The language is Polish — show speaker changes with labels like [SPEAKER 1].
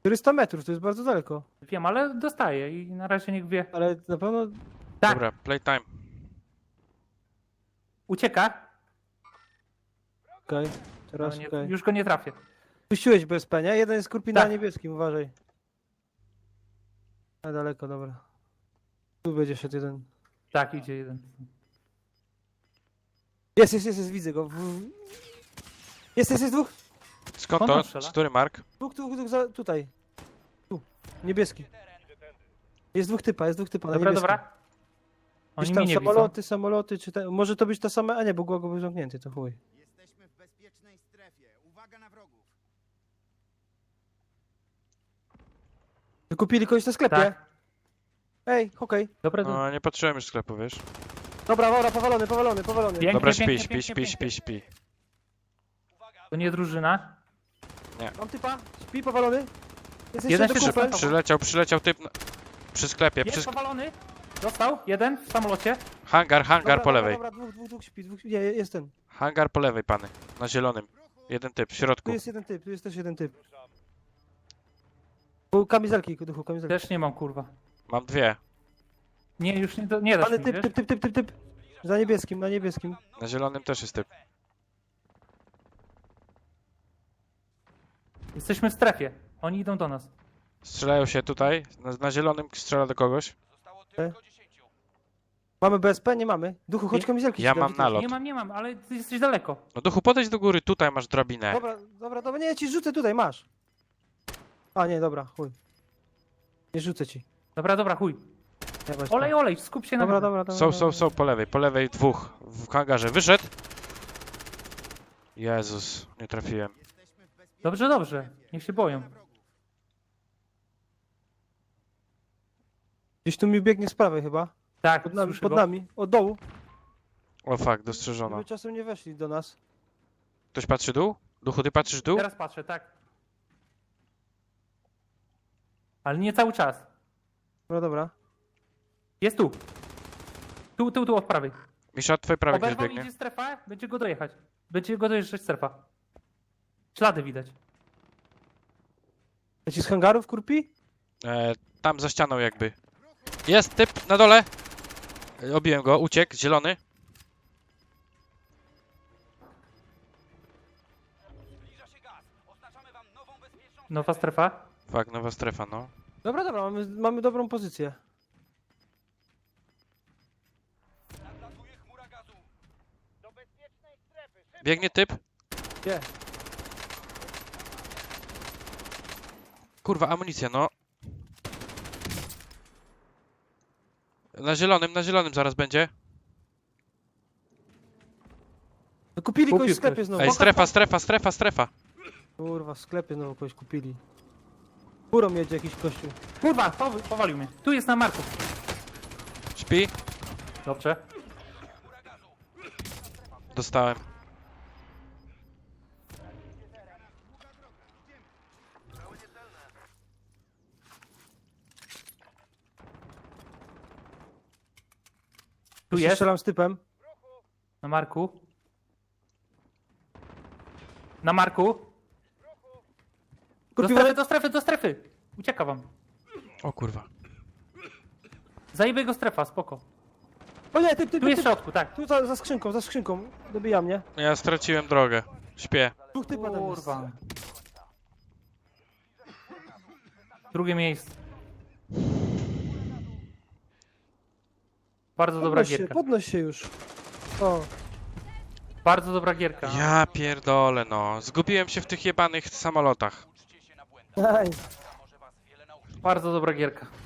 [SPEAKER 1] 400 metrów, to jest bardzo daleko.
[SPEAKER 2] Wiem, ale dostaję i na razie niech wie.
[SPEAKER 1] Ale na pewno...
[SPEAKER 2] Tak,
[SPEAKER 3] Dobra, playtime.
[SPEAKER 2] ucieka.
[SPEAKER 1] Okej,
[SPEAKER 2] No,
[SPEAKER 1] teraz
[SPEAKER 2] nie,
[SPEAKER 1] okej.
[SPEAKER 2] już go nie trafię.
[SPEAKER 1] Puściłeś BSP, nie? Jeden jest skurpin na
[SPEAKER 2] Tak.
[SPEAKER 1] niebieskim, uważaj. Na daleko, dobra. Tu będzie szedł jeden.
[SPEAKER 2] Tak, idzie jeden.
[SPEAKER 1] Jest, widzę go. Jest dwóch.
[SPEAKER 3] Skąd
[SPEAKER 2] Skąd
[SPEAKER 3] to?
[SPEAKER 2] on strzela?
[SPEAKER 3] Który mark?
[SPEAKER 1] Dwóch, tutaj. Tu, niebieski. Jest dwóch typa na
[SPEAKER 2] Dobra,
[SPEAKER 1] niebieskim.
[SPEAKER 2] dobra. Oni
[SPEAKER 1] Gdzieś
[SPEAKER 2] mnie
[SPEAKER 1] tam
[SPEAKER 2] nie widzą.
[SPEAKER 1] samoloty, czy te... Może to być ta sama... A nie, bo Głogo był zamknięty, to chuj.
[SPEAKER 4] Jesteśmy w bezpiecznej strefie. Uwaga na wrogów.
[SPEAKER 1] Wykupili kogoś na sklepie?
[SPEAKER 2] Tak.
[SPEAKER 1] Ej, okej.
[SPEAKER 2] Dobra,
[SPEAKER 3] No, nie patrzyłem już sklepu, wiesz?
[SPEAKER 1] Dobra, powalony.
[SPEAKER 2] Pięknie,
[SPEAKER 3] Dobra,
[SPEAKER 2] pięknie,
[SPEAKER 3] śpi.
[SPEAKER 2] pięknie. To nie drużyna.
[SPEAKER 1] Mam typa, śpi, powalony. Jest
[SPEAKER 2] Jeden
[SPEAKER 1] jeszcze
[SPEAKER 2] się
[SPEAKER 1] kupel.
[SPEAKER 3] Przyleciał typ przy sklepie,
[SPEAKER 2] Jest powalony. Dostał. Jeden w samolocie.
[SPEAKER 3] hangar po lewej.
[SPEAKER 1] Dobra, dwóch śpi, nie, jest ten.
[SPEAKER 3] Hangar po lewej, pany. Na zielonym. Jeden typ, w środku.
[SPEAKER 1] Tu jest też jeden typ. Był kamizelki, duchu, kamizelki.
[SPEAKER 2] Też nie mam, kurwa.
[SPEAKER 3] Mam dwie.
[SPEAKER 2] Nie, już nie dasz
[SPEAKER 1] Ale
[SPEAKER 2] mi, wiesz?
[SPEAKER 1] typ. Na niebieskim.
[SPEAKER 3] Na zielonym też jest typ.
[SPEAKER 2] Jesteśmy w strefie. Oni idą do nas.
[SPEAKER 3] Strzelają się tutaj. Na zielonym strzela do kogoś.
[SPEAKER 1] Mamy BSP? Nie mamy. Duchu, chodź
[SPEAKER 2] Nie.
[SPEAKER 1] kamizelki.
[SPEAKER 3] Ja
[SPEAKER 1] ci dam,
[SPEAKER 3] mam
[SPEAKER 1] czy
[SPEAKER 3] nalot.
[SPEAKER 2] Nie mam, ale ty jesteś daleko.
[SPEAKER 3] No duchu, podejdź do góry, tutaj masz drabinę.
[SPEAKER 1] Dobra, nie, ja ci rzucę tutaj, masz. A nie, dobra, chuj. Nie rzucę ci.
[SPEAKER 2] Dobra, chuj.
[SPEAKER 1] Ja weź
[SPEAKER 2] Olej, skup się na
[SPEAKER 1] Dobra,
[SPEAKER 2] mnie.
[SPEAKER 1] dobra.
[SPEAKER 3] Są po lewej dwóch. W hangarze. Wyszedł. Jezus, nie trafiłem.
[SPEAKER 4] Jesteśmy w bezpiecznej
[SPEAKER 2] Dobrze. Niech się boją.
[SPEAKER 1] Gdzieś tu mi biegnie z prawej chyba.
[SPEAKER 2] Tak,
[SPEAKER 1] Pod nami,
[SPEAKER 2] słyszę
[SPEAKER 1] pod
[SPEAKER 2] go.
[SPEAKER 1] nami. Od dołu.
[SPEAKER 3] O fuck, dostrzeżono.
[SPEAKER 1] Żeby czasem nie weszli do nas.
[SPEAKER 3] Ktoś patrzy dół? Duchu, ty patrzysz dół?
[SPEAKER 2] Teraz patrzę, tak. Ale nie cały czas.
[SPEAKER 1] Dobra.
[SPEAKER 2] Jest tu. Tu od prawej.
[SPEAKER 3] Misza, od twojej prawej ktoś
[SPEAKER 2] Oberwał,
[SPEAKER 3] biegnie.
[SPEAKER 2] idzie strefa, będzie go dojechać. Będzie go dojeżdżać strefa. Ślady widać.
[SPEAKER 1] Leci z hangarów, kurpi?
[SPEAKER 3] Tam za ścianą jakby. Jest typ na dole. Obiłem go, uciekł, zielony.
[SPEAKER 2] Nowa strefa.
[SPEAKER 3] Fuck, nowa strefa, no.
[SPEAKER 1] Dobra, mamy dobrą pozycję.
[SPEAKER 3] Biegnie typ.
[SPEAKER 1] Gdzie?
[SPEAKER 3] Kurwa, amunicja, no. Na zielonym zaraz będzie.
[SPEAKER 1] Kupili
[SPEAKER 2] Kupił
[SPEAKER 1] kogoś w sklepie
[SPEAKER 2] ktoś.
[SPEAKER 1] znowu.
[SPEAKER 3] Ej, strefa.
[SPEAKER 1] Kurwa, w sklepie znowu kogoś kupili. Górą jedzie jakiś kościół.
[SPEAKER 2] Kurwa, powalił mnie. Tu jest na marku.
[SPEAKER 3] Śpi.
[SPEAKER 2] Dobrze.
[SPEAKER 3] Dostałem.
[SPEAKER 2] Tu
[SPEAKER 1] Jeszcze
[SPEAKER 2] jest.
[SPEAKER 1] strzelam z typem.
[SPEAKER 2] Na marku. Na marku.
[SPEAKER 1] Kurpi,
[SPEAKER 2] Do strefy. Ucieka wam.
[SPEAKER 3] O kurwa.
[SPEAKER 2] Zajebie go strefa, spoko.
[SPEAKER 1] O nie, typ.
[SPEAKER 2] Tu jest w środku, tak.
[SPEAKER 1] Tu za skrzynką. Dobija mnie.
[SPEAKER 3] Ja straciłem drogę. Śpię.
[SPEAKER 1] Dwóch typa tam jest.
[SPEAKER 2] Kurwa. Drugie miejsce. Bardzo dobra gierka.
[SPEAKER 1] Podnoś się już. O,
[SPEAKER 2] Bardzo dobra gierka.
[SPEAKER 3] Ja pierdolę, no. Zgubiłem się w tych jebanych samolotach.
[SPEAKER 1] nice.
[SPEAKER 2] Bardzo dobra gierka.